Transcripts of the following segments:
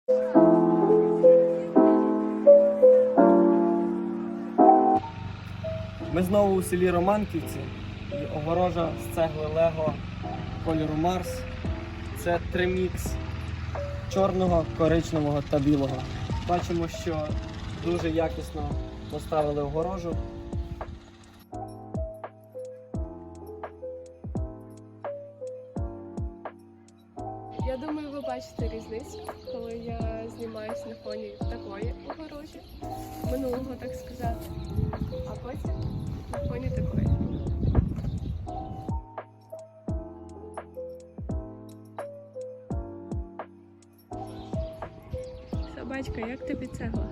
Ми знову у селі Романківці, і огорожа з цегли Лего кольору Марс. Це тримікс чорного, коричневого та білого. Бачимо, що дуже якісно поставили огорожу. Я думаю, ви бачите різницю, коли я знімаюсь на фоні такої огорожі, минулого, так сказати, а потім на фоні такої. Собачка, як тобі цегла?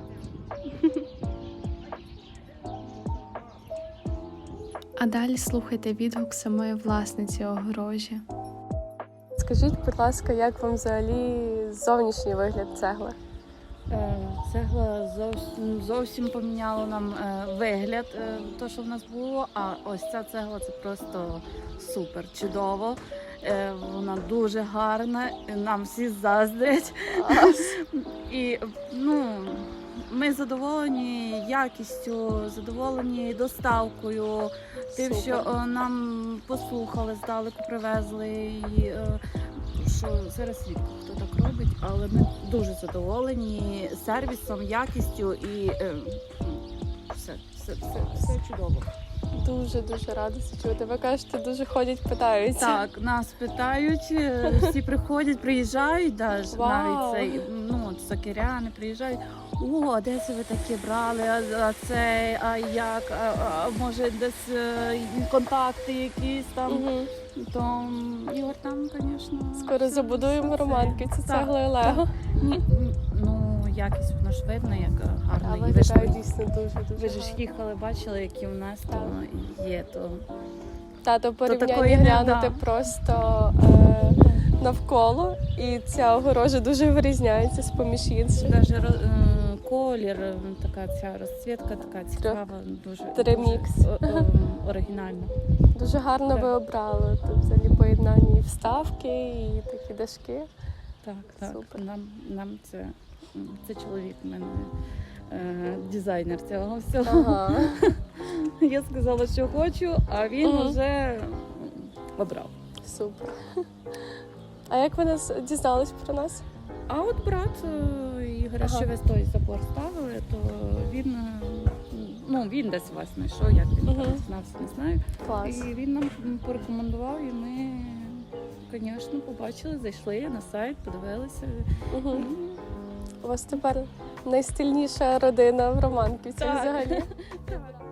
А далі слухайте відгук самої власниці огорожі. Скажіть, будь ласка, як вам взагалі зовнішній вигляд цегли? Цегла зовсім поміняла нам вигляд, то, що в нас було, а ось ця цегла це просто супер, чудово. Вона дуже гарна, нам всі заздрять. І ми задоволені якістю, задоволені доставкою, тим, що нам послухали, здалеку привезли. І, що зараз рідко хто так робить, але ми дуже задоволені сервісом, якістю і все чудово. Дуже рада це чути. Ви кажете, дуже ходять, питаються. Так, нас питають, всі приходять, приїжджають, навіть цей, сокиряни приїжджають. О, де це ви таке брали, а це, а як, а може десь контакти якісь там. То Ігор там, звісно... Скоро забудуємо Романківці цеглою Лего. Якість, воно ж видно, як гарно. Але виглядає дійсно дуже. Ви ж їхали, бачили, які у нас то є. Тато порівняння глянути просто навколо, і ця огорожа дуже вирізняється з-поміж інших. Навіть колір, така ця розцвітка, така цікава, дуже тримікс. Оригінальна. Дуже гарно ви обрали. Тут взагалі поєднання і вставки, і такі дашки. Так. Супер. Нам це чоловік у мене, дизайнер цього всього. Ага. Я сказала, що хочу, а він вже обрав. Супер. А як ви дізнались про нас? А от брат Ігоря, що ви той забор ставили, то він десь вас знайшов, як він там знався, не знаю. Клас. І він нам порекомендував, і ми, звісно, побачили, зайшли на сайт, подивилися. У вас тепер найстильніша родина в Романківці взагалі. Так.